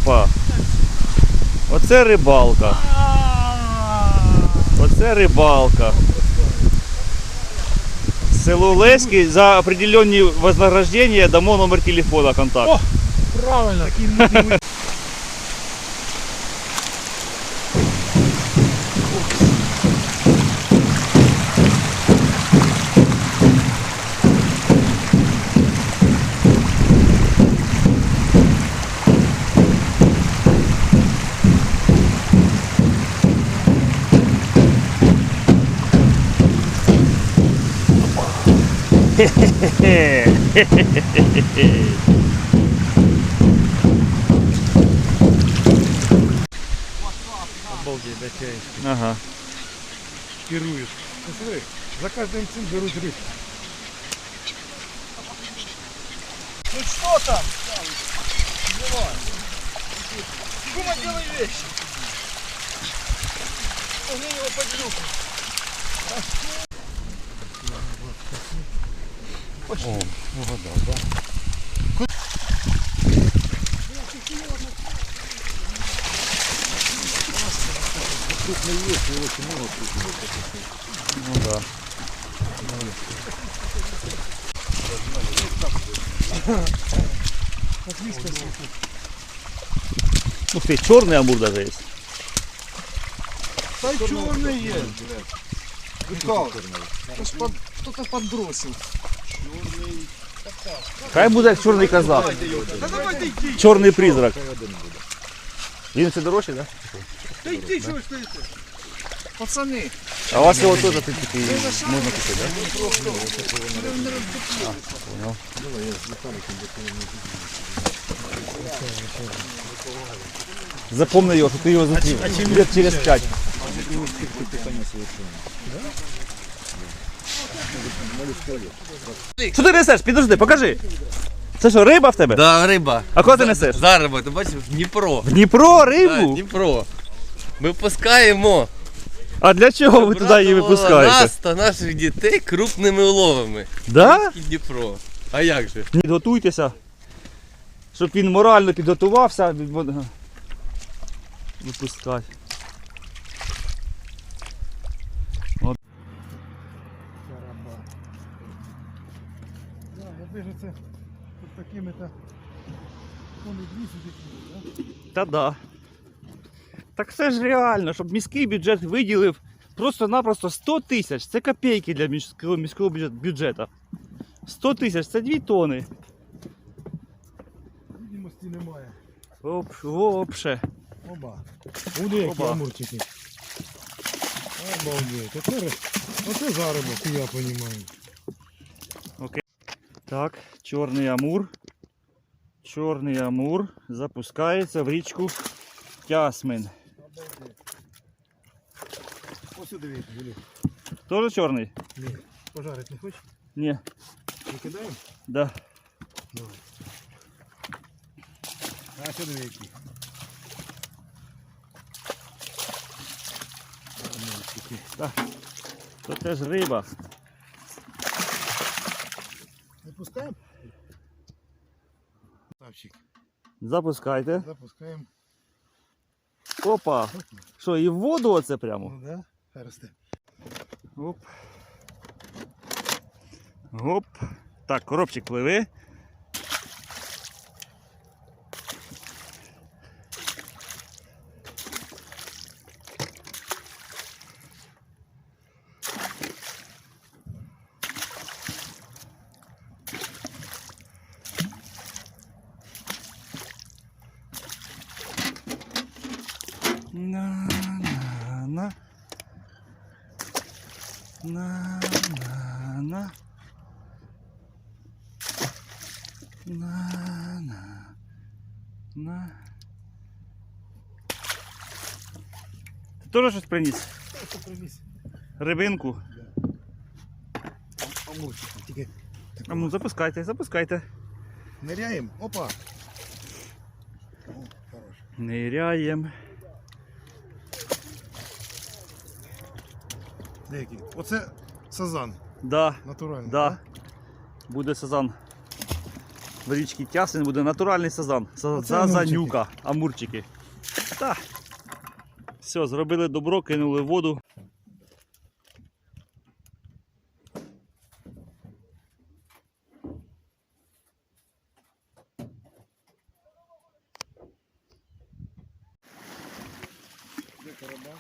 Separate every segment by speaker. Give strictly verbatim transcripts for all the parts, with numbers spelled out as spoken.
Speaker 1: Опа! Оце рибалка. Оце рибалка. Село Леський, за определенні вознаграждення дамо номер телефона, контакт.
Speaker 2: О, правильно, такий мутний. Обалдеть, да, тяешки.
Speaker 1: Ага.
Speaker 2: Керуешь. Посмотри, за каждым цим берут рыбку. Ну что там? Давай. Кума, делай вещи. Огни его под люку. Пошли. О, угадал, да? Крупный есть, и очень много крупного.
Speaker 1: Ну да. Ух ты, черный амур даже есть.
Speaker 2: Да черный есть. Кто-то подбросил.
Speaker 1: Хай буде як чорний казак.
Speaker 2: Да давай йди.
Speaker 1: Чорний призрак. Він все дорожче, так?
Speaker 2: Да йди, чого стоїте? Пацани.
Speaker 1: А у вас його теж тут такий можна купити, так? А, понял. Запомни його, що ти його зустрів. Лет через п'ять. Що ти несеш? Підожди, покажи. Це що, риба в тебе?
Speaker 3: Да, риба.
Speaker 1: А кого ти несеш?
Speaker 3: За риба, ти бачиш, в Дніпро.
Speaker 1: В Дніпро
Speaker 3: Да,
Speaker 1: рибу?
Speaker 3: Дніпро. Ми пускаємо.
Speaker 1: А для чого ви туди її випускаєте?
Speaker 3: Нас та наших дітей крупними уловами.
Speaker 1: Да?
Speaker 3: Дніпро. А як же?
Speaker 1: Ні, готуйтеся, щоб він морально підготувався, випускати. От.
Speaker 2: Да, я вижу це тут такими-то вони дві сюди, да?
Speaker 1: Та да. Так це ж реально, щоб міський бюджет виділив просто-напросто сто тисяч. Це копійки для міського, міського бюджету. сто тисяч, це дві тони.
Speaker 2: Відомості немає.
Speaker 1: Оп, вообще.
Speaker 2: Оба. Буде які
Speaker 1: Оба.
Speaker 2: амурчики. Обалдеть. Оце, оце заробок, я розумію.
Speaker 1: Так, чорний амур. Чорний амур запускається в річку Тясмин.
Speaker 2: Ось сюди вийти, Юлі.
Speaker 1: Тоже чорний?
Speaker 2: Ні. Пожарити не хочеш?
Speaker 1: Ні.
Speaker 2: Викидаємо?
Speaker 1: Да.
Speaker 2: Давай. А сюди вийти.
Speaker 1: Так. То теж риба.
Speaker 2: Запускаємо? Ставчик.
Speaker 1: Запускайте.
Speaker 2: Запускаємо.
Speaker 1: Опа. Що, і в воду оце прямо?
Speaker 2: Ну да, хай росте.
Speaker 1: Оп. Оп. Так, коробчик пливе. На-на-на. На-на-на. На-на. На. Ти теж щось приніс?
Speaker 2: Що привіз?
Speaker 1: Рибинку?
Speaker 2: Амурчик. Тільки
Speaker 1: А ну запускайте, запускайте.
Speaker 2: ниряємо. Опа. О, хорош.
Speaker 1: Ниряємо.
Speaker 2: Деякий. Оце сазан.
Speaker 1: Да,
Speaker 2: Натуральний.
Speaker 1: да. Буде сазан. в річці Тясин буде натуральний сазан. Са-
Speaker 2: Оце
Speaker 1: Зазанюка, амурчики. Так. Все, зробили добро, кинули в воду.
Speaker 2: Де кораба?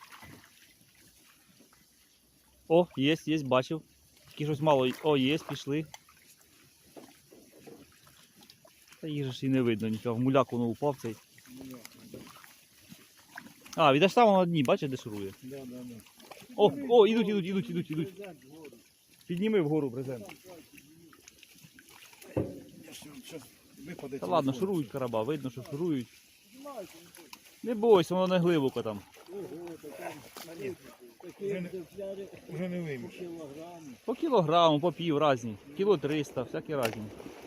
Speaker 1: О, є, є, бачив. Тільки щось мало. О, є, пішли. Та їх же ж і не видно нічого. В муляк воно упав цей. А, відаш там на дні, бачиш, де шурує.
Speaker 2: Да, да, да.
Speaker 1: О, о, ідуть, ідуть, ідуть, ідуть, ідуть. Підніми вгору брезент.
Speaker 2: Зараз випаде.
Speaker 1: Та ладно, шурують кораба, видно, що шурують. Не бойся, воно не глибоко там.
Speaker 2: Вже не, вже не виймеш.
Speaker 1: По кілограму, по пів разні. Кіло триста, всякі разні.